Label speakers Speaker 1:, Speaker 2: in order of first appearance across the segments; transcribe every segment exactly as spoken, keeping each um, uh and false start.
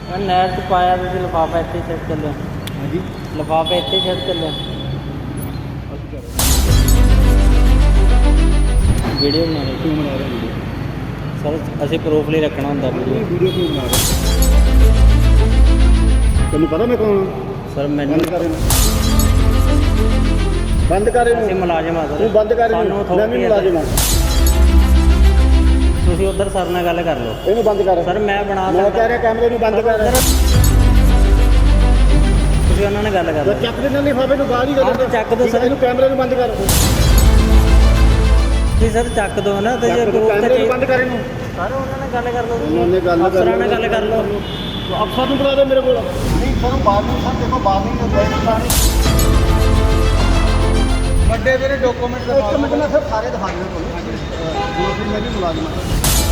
Speaker 1: नहर च पाया तो लिफाफा इतने छड़ चले।
Speaker 2: हाँ जी
Speaker 1: लिफाफा इतने छड़ चले। वीडियो बना रहे
Speaker 2: क्यों बना रहे वीडियो?
Speaker 1: सर असी प्रूफ नहीं रखना होंगे वीडियो।
Speaker 2: वीडियो क्यों बना रहे? तेन पता मैं कौन हूँ?
Speaker 1: सर मैंने
Speaker 2: बंद कर बंद कर
Speaker 1: ਅਸੀਂ ਮੁਲਾਜ਼ਮ ਆ ਸਰ।
Speaker 2: ਤੂੰ ਬੰਦ ਕਰ
Speaker 1: ਸਾਨੂੰ
Speaker 2: ਮੈਂ
Speaker 1: authority
Speaker 2: ਵੀ
Speaker 1: ਹੈ
Speaker 2: ਮੁਲਾਜ਼ਮ ਹਾਂ।
Speaker 1: ਤੁਸੀਂ ਉਧਰ ਸਰ ਨਾਲ ਗੱਲ ਕਰ ਲਓ।
Speaker 2: ਇਹਨੂੰ ਬੰਦ ਕਰ
Speaker 1: ਸਰ ਮੈਂ ਬਣਾ
Speaker 2: ਮੈਂ
Speaker 1: ਸਕਦਾ।
Speaker 2: ਕਹਿ ਰਿਹਾ ਕੈਮਰੇ ਨੂੰ ਬੰਦ ਕਰ।
Speaker 1: ਤੁਸੀਂ ਉਹਨਾਂ ਨਾਲ ਗੱਲ ਕਰ ਲਓ।
Speaker 2: ਚੱਕ ਦੇ ਨਾਲ ਲਿਫਾਫੇ ਨੂੰ ਬਾਹਰ ਹੀ
Speaker 1: ਹਾਂ ਤੇ
Speaker 2: ਕਰ।
Speaker 1: ਚੱਕ ਦੋ ਸਰ।
Speaker 2: ਇਹਨੂੰ ਕੈਮਰੇ ਨੂੰ ਬੰਦ ਕਰ।
Speaker 1: ਜੀ ਸਰ ਚੱਕ ਦੋ ਨਾ ਤੇ ਜੇ ਪ੍ਰੂਫ ਤਾਂ
Speaker 2: ਕੈਮਰੇ ਨੂੰ
Speaker 1: ਚਾਹੀਦਾ।
Speaker 2: ਬੰਦ ਕਰ ਇਹਨੂੰ।
Speaker 1: ਸਰ ਉਹਨਾਂ ਨਾਲ ਗੱਲ ਕਰ ਲਓ।
Speaker 2: ਉਹਨਾਂ ਨੇ ਗੱਲ
Speaker 1: ਅਫਸਰਾਂ ਨਾਲ ਗੱਲ ਕਰ ਲਓ।
Speaker 2: ਅਫਸਰ ਨੂੰ ਬੁਲਾ ਦੇ ਮੇਰੇ ਕੋਲ। ਨਹੀਂ ਸਰ ਬਾਹਰ ਨੂੰ ਸਰ ਦੇਖੋ ਬਾਹਰ ਨਹੀਂ ਹੁੰਦਾ
Speaker 3: ਵੱਡੇ ਜਿਹੜੇ ਡਾਕੂਮੈਂਟ
Speaker 2: ਇੱਕ ਮਿੰਟ ਮੈਂ ਸਰ ਸਾਰੇ ਦਿਖਾ ਦਿੰਦਾ ਤੁਹਾਨੂੰ। ਦੂਸਰੀ ਮੈਂ ਵੀ ਮੁਲਾਜ਼ਮ ਹਾਂ।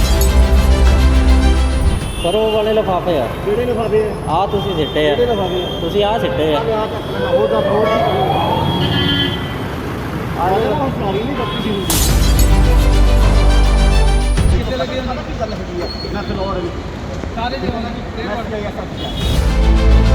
Speaker 1: ਸਰ ਉਹ ਵਾਲੇ ਲਿਫਾਫੇ ਆ।
Speaker 2: ਕਿਹੜੇ ਲਿਫਾਫੇ ਆ?
Speaker 1: ਆ ਤੁਸੀਂ ਸਿੱਟੇ ਆ।
Speaker 2: ਕਿਹੜੇ ਲਿਫਾਫੇ ਆ?
Speaker 1: ਤੁਸੀਂ ਆ ਸਿੱਟੇ ਆ।
Speaker 2: ਉਹ ਤਾਂ ਬਹੁਤ ਆ ਰਿਹਾ ਹੁਣ ਸਾਰੀ ਨਹੀਂ ਬੱਤੀ ਸੀ
Speaker 3: ਕਿੱਥੇ ਲੱਗੇ ਹੋਏ ਨੇ?
Speaker 2: ਕੀ ਗੱਲ ਹੈਗੀ ਆ ਮੈਂ ਫਲੋਰ ਵੀ
Speaker 3: ਸਾਰੇ ਜਵਾਨਾਂ ਦੀ ਸਟੇ
Speaker 2: ਮੈਂ
Speaker 3: ਕਰ
Speaker 2: ਕਿਹਾ ਸੱਚ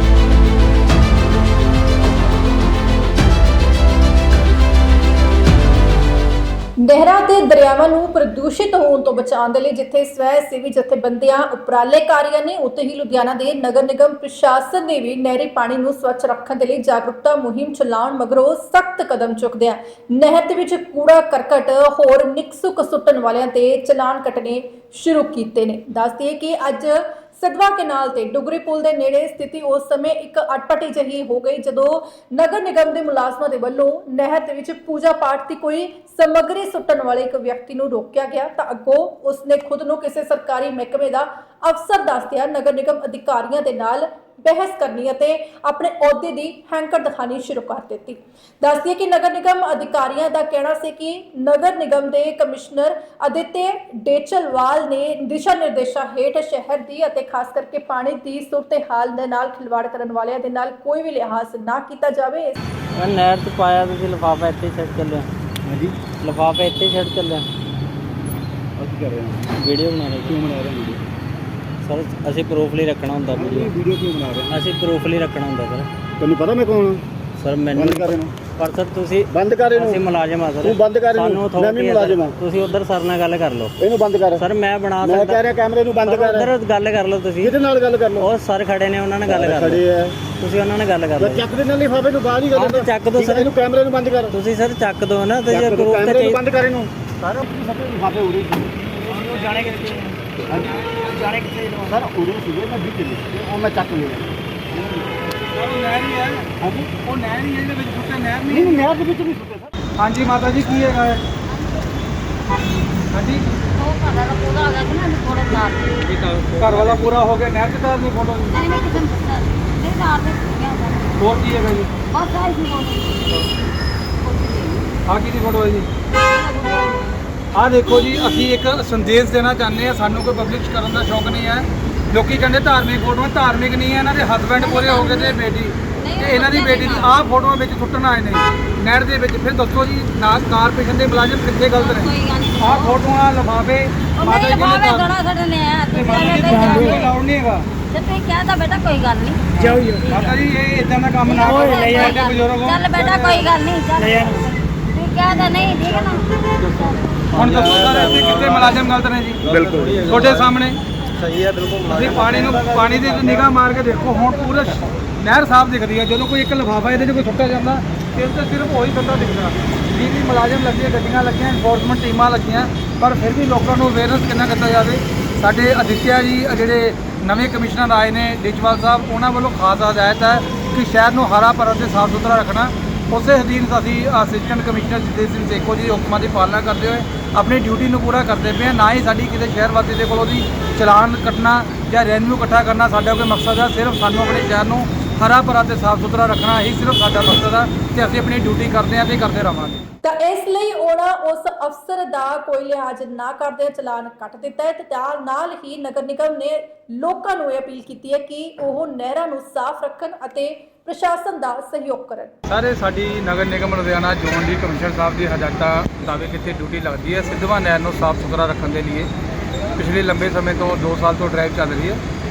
Speaker 4: ਨਹਿਰਾਂ ਤੇ ਦਰਿਆਵਾਂ ਨੂੰ ਪ੍ਰਦੂਸ਼ਿਤ ਹੋਣ ਤੋਂ ਬਚਾਉਣ ਦੇ ਲਈ ਜਿੱਥੇ ਸਵੈ ਸੇਵੀ ਜਥੇਬੰਦੀਆਂ ਉਪਰਾਲੇ ਕਰ ਰਹੀਆਂ ਨੇ, ਉੱਥੇ ਹੀ ਲੁਧਿਆਣਾ ਦੇ ਨਗਰ ਨਿਗਮ ਪ੍ਰਸ਼ਾਸਨ ਨੇ ਵੀ ਨਹਿਰੀ ਪਾਣੀ ਨੂੰ ਸਵੱਛ ਰੱਖਣ ਦੇ ਲਈ ਜਾਗਰੂਕਤਾ ਮੁਹਿੰਮ ਚਲਾਉਣ ਮਗਰੋਂ ਸਖਤ ਕਦਮ ਚੁੱਕਦਿਆਂ ਨਹਿਰ ਦੇ ਵਿੱਚ ਕੂੜਾ ਕਰਕਟ ਹੋਰ ਨਿਕਸੁਕ ਸੁੱਟਣ ਵਾਲਿਆਂ ਤੇ ਚਲਾਨ ਕੱਟਣੇ ਸ਼ੁਰੂ ਕੀਤੇ ਨੇ। ਦੱਸ ਦਈਏ ਕਿ ਅੱਜ ਸਦਵਾ ਕਨਾਲ ਤੇ ਡੁਗਰੀ ਪੁਲ ਦੇ ਨੇੜੇ ਸਥਿਤੀ ਉਸ ਸਮੇਂ ਇੱਕ ਅਟਪਟੀ ਜਿਹੀ ਹੋ ਗਈ ਜਦੋਂ ਨਗਰ ਨਿਗਮ ਦੇ ਮੁਲਾਜ਼ਮਾਂ ਦੇ ਵੱਲੋਂ ਨਹਿਰ ਦੇ ਵਿੱਚ ਪੂਜਾ ਪਾਠ ਦੀ ਕੋਈ ਸਮੱਗਰੀ ਸੁੱਟਣ ਵਾਲੇ ਇੱਕ ਵਿਅਕਤੀ ਨੂੰ ਰੋਕਿਆ ਗਿਆ ਤਾਂ ਅੱਗੋਂ ਉਸਨੇ ਖੁਦ ਨੂੰ ਕਿਸੇ ਸਰਕਾਰੀ ਮਹਿਕਮੇ ਦਾ ਅਫਸਰ ਦੱਸਦਿਆਂ ਨਗਰ ਨਿਗਮ ਅਧਿਕਾਰੀਆਂ ਦੇ ਨਾਲ ਬਹਿਸ ਕਰਨੀ ਅਤੇ ਆਪਣੇ ਅਹੁਦੇ ਦੀ ਹੈਂਕਰ ਦਿਖਾਣੀ ਸ਼ੁਰੂ ਕਰ ਦਿੱਤੀ। ਦੱਸਦੀਏ ਕਿ ਨਗਰ ਨਿਗਮ ਅਧਿਕਾਰੀਆਂ ਦਾ ਕਹਿਣਾ ਸੀ ਕਿ ਨਗਰ ਨਿਗਮ ਦੇ ਕਮਿਸ਼ਨਰ ਅਦਿੱਤੇ ਡੇਚਲਵਾਲ ਨੇ ਦਿਸ਼ਾ ਨਿਰਦੇਸ਼ਾਂ ਹੇਠ ਸ਼ਹਿਰ ਦੀ ਅਤੇ ਖਾਸ ਕਰਕੇ ਪਾਣੀ ਦੀ ਸੂਰਤ-ਏ-ਹਾਲ ਦੇ ਨਾਲ ਖਿਲਵਾੜ ਕਰਨ ਵਾਲਿਆਂ ਦੇ ਨਾਲ ਕੋਈ ਵੀ ਲਿਹਾਜ਼ ਨਾ ਕੀਤਾ ਜਾਵੇ।
Speaker 1: ਨਹਿਰ ਚ ਪਾਇਆ ਤੁਸੀਂ ਲਿਫਾਫਾ ਇੱਥੇ ਛੱਡ ਚੱਲੇ।
Speaker 2: हाँ जी
Speaker 1: ਲਿਫਾਫਾ ਇੱਥੇ ਛੱਡ ਚੱਲੇ।
Speaker 2: ਕੀ ਕਰ ਰਹੇ ਹੋ?
Speaker 1: ਵੀਡੀਓ ਬਣਾ ਰਹੇ
Speaker 2: ਕਿਉਂ ਬਣਾ ਰਹੇ ਵੀਡੀਓ?
Speaker 1: ਸਰ ਅਸੀਂ ਪ੍ਰੂਫ ਨਹੀਂ ਰੱਖਣਾ ਹੁੰਦਾ ਵੀਡੀਓ।
Speaker 2: ਵੀਡੀਓ ਕਿਉਂ ਬਣਾ ਰਹੇ?
Speaker 1: ਅਸੀਂ ਪ੍ਰੂਫ ਨਹੀਂ ਰੱਖਣਾ ਹੁੰਦਾ ਸਰ।
Speaker 2: ਤੈਨੂੰ ਪਤਾ ਮੈਂ ਕੌਣ ਹਾਂ?
Speaker 1: ਸਰ ਮੈਨੂੰ
Speaker 2: ਬੰਦ ਕਰ ਇਹਨੂੰ
Speaker 1: ਪਰ ਸਰ ਤੁਸੀਂ
Speaker 2: ਬੰਦ ਕਰ ਇਹਨੂੰ
Speaker 1: ਅਸੀਂ ਮੁਲਾਜ਼ਮ ਆ ਸਰ।
Speaker 2: ਤੂੰ ਬੰਦ ਕਰ ਇਹਨੂੰ
Speaker 1: ਸਾਨੂੰ
Speaker 2: ਮੈਂ
Speaker 1: authority
Speaker 2: ਵੀ
Speaker 1: ਹੈ
Speaker 2: ਮੁਲਾਜ਼ਮ ਹਾਂ।
Speaker 1: ਸਰ। ਤੁਸੀਂ ਉਧਰ ਸਰ ਨਾਲ ਗੱਲ ਕਰ ਲਓ।
Speaker 2: ਇਹਨੂੰ ਬੰਦ ਕਰ
Speaker 1: ਸਰ ਮੈਂ ਬਣਾ
Speaker 2: ਮੈਂ
Speaker 1: ਸਕਦਾ।
Speaker 2: ਕਹਿ ਰਿਹਾ ਕੈਮਰੇ ਨੂੰ ਬੰਦ ਕਰ।
Speaker 1: ਉਧਰ ਗੱਲ ਕਰ ਲਓ ਤੁਸੀਂ।
Speaker 2: ਕਿਹਦੇ ਨਾਲ ਗੱਲ ਕਰ ਲਓ?
Speaker 1: ਉਹ ਸਰ ਖੜੇ ਨੇ ਉਹਨਾਂ ਨਾਲ ਗੱਲ ਕਰ
Speaker 2: ਖੜੇ
Speaker 1: ਲਓ।
Speaker 2: ਆ
Speaker 1: ਤੁਸੀਂ ਉਹਨਾਂ ਨਾਲ ਗੱਲ ਕਰ ਲਓ।
Speaker 2: ਚੱਕ ਦੇ ਨਾਲ ਲਿਫਾਫੇ ਨੂੰ ਬਾਹਰ ਹੀ
Speaker 1: ਹਾਂ
Speaker 2: ਕਰ
Speaker 1: ਤੇ ਚੱਕ ਦੋ ਸਰ।
Speaker 2: ਇਹਨੂੰ ਕੈਮਰੇ ਨੂੰ ਬੰਦ ਕਰ।
Speaker 1: ਤੁਸੀਂ ਸਰ ਚੱਕ ਦੋ ਨਾ ਤੇ ਜੇ ਪ੍ਰੂਫ ਤਾਂ
Speaker 2: ਕੈਮਰੇ ਨੂੰ
Speaker 1: ਚਾਹੀਦਾ।
Speaker 2: ਬੰਦ ਕਰ ਇਹਨੂੰ
Speaker 1: ਸਰ
Speaker 2: ਸਾਰੇ ਲਿਫਾਫੇ ਉਰੇ ਸੀ
Speaker 1: ਜਾਣੇ ਕਿੱਥੇ ਜਾਣੇ ਕਿੱਥੇ
Speaker 2: ਸਰ ਉਰੇ ਸੀਗੇ ਮੈਂ ਵਿੱਚ ਲਿਆ ਉਹ ਮੈਂ ਚੱਕ ਲਿਆ।
Speaker 3: ਸਰ ਉਹ ਨਹਿਰ ਹੀ ਹੈ।
Speaker 2: ਹਾਂਜੀ
Speaker 3: ਉਹ ਨਹਿਰ ਹੀ ਹੈ, ਇਹਦੇ ਵਿੱਚ ਸੁੱਟੇ ਨਹਿਰ ਨਹੀਂ
Speaker 2: ਨਹੀਂ
Speaker 3: ਹੈ।
Speaker 2: ਨਹਿਰ ਦੇ ਵਿੱਚ ਨਹੀਂ ਸੁੱਟੇ ਸਰ।
Speaker 3: ਹਾਂਜੀ ਮਾਤਾ ਜੀ ਕੀ ਹੈਗਾ ਹੈ? ਹਾਂਜੀ
Speaker 5: ਉਹ ਘਰ ਵਾਲਾ ਪੂਰਾ ਹੋ ਗਿਆ ਸੀ ਨਾ ਥੋੜਾ ਬਲਾਕ
Speaker 3: ਘਰ ਵਾਲਾ ਪੂਰਾ ਹੋ ਗਿਆ, ਨਹਿਰ ਕਿਤਾਬ ਦੀ ਫੋਟੋ
Speaker 5: ਨਹੀਂ ਨਹੀਂ ਕਿਸੇ ਨੂੰ ਪੁੱਛਿਆ ਨਹੀਂ ਰਾਤ ਦੇ ਗਿਆ ਹੁੰਦਾ
Speaker 3: ਹੋਰ ਕੀ ਹੈਗਾ ਜੀ?
Speaker 5: ਬਸ ਆਈ ਸੀ ਉਹ
Speaker 3: ਆਹ ਕਿਹਦੀ ਫੋਟੋ ਹੈ ਜੀ? ਆਹ ਦੇਖੋ ਜੀ, ਅਸੀਂ ਇੱਕ ਸੰਦੇਸ਼ ਦੇਣਾ ਚਾਹੁੰਦੇ ਹਾਂ। ਸਾਨੂੰ ਕੋਈ ਪਬਲਿਸ਼ ਕਰਨ ਦਾ ਸ਼ੌਕ ਨਹੀਂ ਹੈ। ਲੋਕੀ ਕਹਿੰਦੇ ਧਾਰਮਿਕ ਫੋਟੋਆਂ, ਧਾਰਮਿਕ ਨਹੀਂ ਹੈ। ਇਹਨਾਂ ਦੇ ਹਸਬੈਂਡ ਪੂਰੇ ਹੋ ਗਏ ਤੇ ਬੇਟੀ ਤੇ ਇਹਨਾਂ ਦੀ ਬੇਟੀ ਦੀ ਆਹ ਫੋਟੋਆਂ ਵਿੱਚ ਸੁੱਟਣ ਆਏ ਨੇ ਨਹਿਰ ਦੇ ਵਿੱਚ। ਫਿਰ ਦੱਸੋ ਜੀ ਨਾ ਕਾਰਪੋਰੇਸ਼ਨ ਦੇ ਮੁਲਾਜ਼ਮ ਕਿੱਥੇ ਗਲਤ ਨੇ?
Speaker 5: ਕੋਈ ਗੱਲ ਨਹੀਂ।
Speaker 3: ਆਹ ਫੋਟੋਆਂ ਲਿਫਾਫੇ
Speaker 5: ਉਹ
Speaker 3: ਮਾਤਾ
Speaker 5: ਮੇਰੇ
Speaker 3: ਜੀ
Speaker 5: ਬਾਵੇ
Speaker 3: ਨੇ
Speaker 5: ਗੜਾ ਛੱਡਨੇ ਆ ਤੇ
Speaker 3: ਮਾਤਾ ਜੀ
Speaker 5: ਕਹਿੰਦੇ
Speaker 3: ਤੁਹਾਨੂੰ ਕੋਈ
Speaker 5: ਜਾਓ
Speaker 3: ਲਾਉਣ ਨਹੀਂ ਹੈਗਾ।
Speaker 5: ਤੇ ਤੁਸੀਂ ਕਿਹਾ ਤਾਂ ਬੇਟਾ ਕੋਈ ਗੱਲ ਨਹੀਂ
Speaker 3: ਜਾਓ ਜੀ ਮਾਤਾ ਜੀ, ਇਹ ਇਦਾਂ ਦਾ ਕੰਮ ਨਾ ਕਰੋ। ਵੱਡੇ ਬਜ਼ੁਰਗ ਹੋ।
Speaker 5: ਚੱਲ ਬੇਟਾ ਕੋਈ ਗੱਲ ਨਹੀਂ ਚੱਲ ਤੂੰ ਕਿਹਾ ਤਾਂ ਨਹੀਂ ਠੀਕ ਹੈ ਨਾ।
Speaker 3: ਹੁਣ ਦੱਸੋ ਸਰ ਇੱਥੇ ਕਿੱਥੇ ਮੁਲਾਜ਼ਮ ਗਲਤ ਨੇ ਜੀ?
Speaker 2: ਬਿਲਕੁਲ
Speaker 3: ਤੁਹਾਡੇ ਸਾਹਮਣੇ
Speaker 1: ਸਹੀ ਹੈ ਬਿਲਕੁਲ।
Speaker 3: ਅਸੀਂ ਪਾਣੀ ਨੂੰ ਪਾਣੀ ਦੀ ਨਿਗਾਹ ਮਾਰ ਕੇ ਦੇਖੋ, ਹੁਣ ਪੂਰਾ ਨਹਿਰ ਸਾਫ਼ ਦਿਖਦੀ ਹੈ। ਜਦੋਂ ਕੋਈ ਇੱਕ ਲਿਫਾਫਾ ਇਹਦੇ 'ਚ ਕੋਈ ਸੁੱਟਿਆ ਜਾਂਦਾ ਤੇ ਇਹ ਤਾਂ ਸਿਰਫ ਉਹੀ ਬੰਦਾ ਦਿਖਦਾ। ਵੀਹ ਵੀਹ ਮੁਲਾਜ਼ਮ ਲੱਗੇ, ਗੱਡੀਆਂ ਲੱਗੀਆਂ, ਇਨਫੋਰਸਮੈਂਟ ਟੀਮਾਂ ਲੱਗੀਆਂ, ਪਰ ਫਿਰ ਵੀ ਲੋਕਾਂ ਨੂੰ ਅਵੇਅਰਨੈਸ ਕਿੰਨਾ ਕੀਤਾ ਜਾਵੇ। ਸਾਡੇ ਅਦਿੱਤਿਆ ਜੀ ਜਿਹੜੇ ਨਵੇਂ ਕਮਿਸ਼ਨਰ ਆਏ ਨੇ ਡੇਚਵਾਲ ਸਾਹਿਬ, ਉਹਨਾਂ ਵੱਲੋਂ ਖਾਸ ਹਦਾਇਤ ਹੈ ਕਿ ਸ਼ਹਿਰ ਨੂੰ ਹਰਾ ਭਰਾ ਤੇ ਸਾਫ਼ ਸੁਥਰਾ ਰੱਖਣਾ। ਉਸੇ ਅਧੀਨ ਅਸੀਂ ਅਸਿਸਟੈਂਟ ਕਮਿਸ਼ਨਰ ਜਗਦੀਪ ਸਿੰਘ ਸੇਖੋ ਜੀ ਹੁਕਮਾਂ ਦੀ ਪਾਲਣਾ ਕਰਦੇ ਹੋਏ ਆਪਣੀ ਡਿਊਟੀ ਨੂੰ ਪੂਰਾ ਕਰਦੇ ਪਏ ਹਾਂ। ਨਾ ਹੀ ਸਾਡੀ ਕਿਸੇ ਸ਼ਹਿਰ ਵਾਸੀ ਦੇ ਕੋਲ ਉਹਦੀ ਚਲਾਨ ਕੱਟਣਾ ਜਾਂ ਰੈਵਨਿਊ ਇਕੱਠਾ ਕਰਨਾ ਸਾਡਾ ਕੋਈ ਮਕਸਦ ਹੈ। ਸਿਰਫ ਸਾਨੂੰ ਆਪਣੇ ਸ਼ਹਿਰ ਨੂੰ ਹਰਾ ਭਰਾ ਤੇ ਸਾਫ਼ ਸੁਥਰਾ ਰੱਖਣਾ ਹੀ ਸਿਰਫ ਸਾਡਾ ਮਕਸਦ ਹੈ ਤੇ ਅਸੀਂ ਆਪਣੀ ਡਿਊਟੀ ਕਰਦੇ ਹਾਂ ਤੇ ਕਰਦੇ ਰਹਾਂਗੇ।
Speaker 4: ਤਾਂ ਇਸ ਲਈ ਉਹਨਾਂ ਉਸ ਅਫਸਰ ਦਾ ਕੋਈ ਲਿਹਾਜ਼ ਨਾ ਕਰਦੇ ਚਲਾਨ ਕੱਟ ਦਿੱਤਾ ਹੈ ਤੇ ਨਾਲ ਹੀ ਨਗਰ ਨਿਗਮ ਨੇ ਲੋਕਾਂ ਨੂੰ ਇਹ ਅਪੀਲ ਕੀਤੀ ਹੈ ਕਿ ਉਹ ਨਹਿਰਾਂ ਨੂੰ ਸਾਫ਼ ਰੱਖਣ ਅਤੇ ਪ੍ਰਸ਼ਾਸਨ ਦਾ ਸਹਿਯੋਗ ਕਰਨ।
Speaker 3: ਸਾਰੇ ਸਾਡੀ ਨਗਰ ਨਿਗਮ ਲੁਧਿਆਣਾ ਜ਼ੋਨ ਦੀ ਕਮਿਸ਼ਨਰ ਸਾਹਿਬ ਦੀ ਹਦਾਇਤਾਂ ਮੁਤਾਬਿਕ ਇੱਥੇ ਡਿਊਟੀ ਲੱਗਦੀ ਹੈ। ਸਿੱਧਵਾਂ ਨਹਿਰ ਨੂੰ ਸਾਫ਼ ਸੁਥਰਾ ਰੱਖਣ ਦੇ ਲਈ ਪਿਛਲੇ ਲੰਬੇ ਸਮੇਂ ਤੋਂ ਦੋ ਸਾਲ ਤੋਂ ਡਰਾਈਵ ਚੱਲ ਰਹੀ ਹੈ।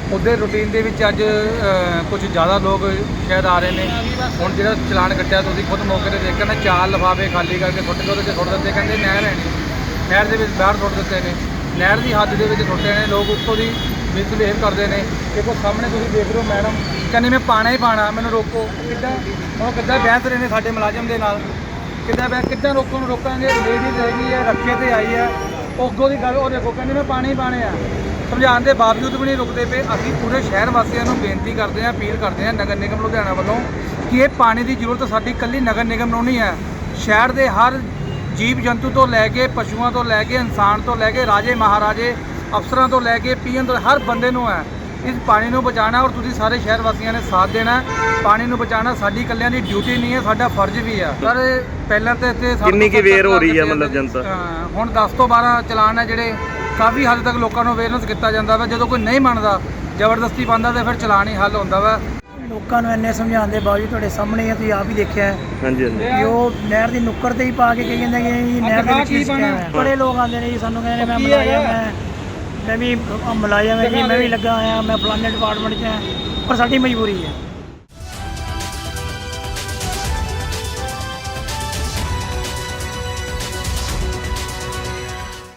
Speaker 3: ਉਹਦੇ ਰੂਟੀਨ ਦੇ ਵਿੱਚ ਅੱਜ ਕੁਝ ਜ਼ਿਆਦਾ ਲੋਕ ਸ਼ਾਇਦ ਆ ਰਹੇ ਨੇ। ਹੁਣ ਜਿਹੜਾ ਚਲਾਨ ਕੱਟਿਆ ਤੁਸੀਂ ਖੁਦ ਮੌਕੇ ਤੇ ਦੇਖਿਆ ਨਾ, ਚਾਰ ਲਿਫਾਫੇ ਖਾਲੀ ਕਰਕੇ ਸੁੱਟ ਕੇ ਉਹਦੇ 'ਚ ਸੁੱਟ ਦਿੱਤੇ, ਕਹਿੰਦੇ ਨਹਿਰ ਹੈ ਨਹੀਂ, ਨਹਿਰ ਦੇ ਵਿੱਚ ਬਾਹਰ ਸੁੱਟ ਦਿੱਤੇ ਨੇ, ਨਹਿਰ ਦੀ ਹੱਦ ਦੇ ਵਿੱਚ ਸੁੱਟੇ ਨੇ ਲੋਕ, ਉੱਤੋਂ ਦੀ ਮਿਸਬਿਹੇਵ ਕਰਦੇ ਨੇ। ਦੇਖੋ ਸਾਹਮਣੇ ਤੁਸੀਂ ਦੇਖ ਰਹੇ ਹੋ ਮੈਡਮ ਕਹਿੰਦੇ ਮੈਂ ਪਾਣਾ ਹੀ ਪਾਣਾ, ਮੈਨੂੰ ਰੋਕੋ। ਕਿੱਦਾਂ ਉਹ ਕਿੱਦਾਂ ਬਹਿਸ ਰਹੇ ਨੇ ਸਾਡੇ ਮੁਲਾਜ਼ਮ ਦੇ ਨਾਲ, ਕਿੱਦਾਂ ਬਹਿ ਕਿੱਦਾਂ ਰੋਕੋ ਨੂੰ ਰੋਕਾਂਗੇ। ਲੇਡੀਜ਼ ਹੈਗੀ ਹੈ, ਰੱਖੇ ਤੇ ਆਈ ਹੈ, ਉਹ ਅੱਗੋਂ ਦੀ ਗੱਲ ਉਹ ਦੇਖੋ ਕਹਿੰਦੇ ਮੈਂ ਪਾਣੀ ਹੀ ਪਾਣੇ ਆ, ਸਮਝਾਉਣ ਦੇ ਬਾਵਜੂਦ ਵੀ ਨਹੀਂ ਰੁਕਦੇ ਪਏ। ਅਸੀਂ ਪੂਰੇ ਸ਼ਹਿਰ ਵਾਸੀਆਂ ਨੂੰ ਬੇਨਤੀ ਕਰਦੇ ਹਾਂ, ਅਪੀਲ ਕਰਦੇ ਹਾਂ ਨਗਰ ਨਿਗਮ ਲੁਧਿਆਣਾ ਵੱਲੋਂ ਕਿ ਇਹ ਪਾਣੀ ਦੀ ਜ਼ਰੂਰਤ ਸਾਡੀ ਇਕੱਲੀ ਨਗਰ ਨਿਗਮ ਨੂੰ ਨਹੀਂ ਹੈ, ਸ਼ਹਿਰ ਦੇ ਹਰ ਜੀਵ ਜੰਤੂ ਤੋਂ ਲੈ ਕੇ ਪਸ਼ੂਆਂ ਤੋਂ ਲੈ ਕੇ ਇਨਸਾਨ ਤੋਂ ਲੈ ਕੇ ਰਾਜੇ ਮਹਾਰਾਜੇ ਅਫਸਰਾਂ ਤੋਂ ਲੈ ਕੇ ਪੀਣ ਤੋਂ ਹਰ ਬੰਦੇ ਨੂੰ ਹੈ। ਇਸ ਪਾਣੀ ਨੂੰ ਬਚਾਉਣਾ ਔਰ ਤੁਸੀਂ ਸਾਰੇ ਸ਼ਹਿਰ ਵਾਸੀਆਂ ਨੇ ਸਾਥ ਦੇਣਾ। ਪਾਣੀ ਨੂੰ ਬਚਾਉਣਾ ਸਾਡੀ ਇਕੱਲਿਆਂ ਦੀ ਡਿਊਟੀ ਨਹੀਂ ਹੈ, ਸਾਡਾ ਫਰਜ਼ ਵੀ ਹੈ। ਸਰ ਪਹਿਲਾਂ ਤਾਂ ਇੱਥੇ
Speaker 6: ਕਿੰਨੀ ਕੀ ਵੇਰ ਹੋ ਰਹੀ ਹੈ ਮਤਲਬ ਜਨਤਾ?
Speaker 3: ਹੁਣ ਦਸ ਤੋਂ ਬਾਰਾਂ ਚਲਾਨ ਹੈ ਜਿਹੜੇ ਕਾਫੀ ਹੱਦ ਤੱਕ ਲੋਕਾਂ ਨੂੰ ਅਵੇਅਰਨੈਸ ਕੀਤਾ ਜਾਂਦਾ ਵਾ। ਜਦੋਂ ਕੋਈ ਨਹੀਂ ਮੰਨਦਾ ਜ਼ਬਰਦਸਤੀ ਪਾਉਂਦਾ ਤਾਂ ਫਿਰ ਚਲਾਨ ਹੀ ਹੱਲ ਹੁੰਦਾ ਵਾ।
Speaker 1: ਲੋਕਾਂ ਨੂੰ ਇੰਨੇ ਸਮਝਾਉਣ ਦੇ ਬਾਵਜੂਦ ਤੁਹਾਡੇ ਸਾਹਮਣੇ ਹੈ, ਤੁਸੀਂ ਆਪ ਹੀ ਦੇਖਿਆ ਹੈ
Speaker 6: ਹਾਂਜੀ ਹਾਂਜੀ
Speaker 1: ਕਿ ਉਹ ਨਹਿਰ ਦੀ ਨੁੱਕਰ ਤੇ ਹੀ ਪਾ ਕੇ ਕਹੀ ਜਾਂਦੇ ਕਿ ਜੀ ਨਹਿਰ ਦੇ ਵਿੱਚ ਕੀ ਸਿੱਟਿਆ ਹੈ। ਬੜੇ ਲੋਕ ਆਉਂਦੇ ਨੇ ਜੀ, ਸਾਨੂੰ ਕਹਿੰਦੇ ਨੇ ਮੈਂ ਮੁਲਾਜ਼ਮ ਮੈਂ ਮੈਂ ਵੀ ਮੁਲਾਜ਼ਮ ਹੈ ਜੀ, ਮੈਂ ਵੀ ਲੱਗਾ ਹੋਇਆ, ਮੈਂ ਫਲਾਣੇ ਡਿਪਾਰਟਮੈਂਟ 'ਚ ਹਾਂ, ਪਰ ਸਾਡੀ ਮਜਬੂਰੀ ਹੈ।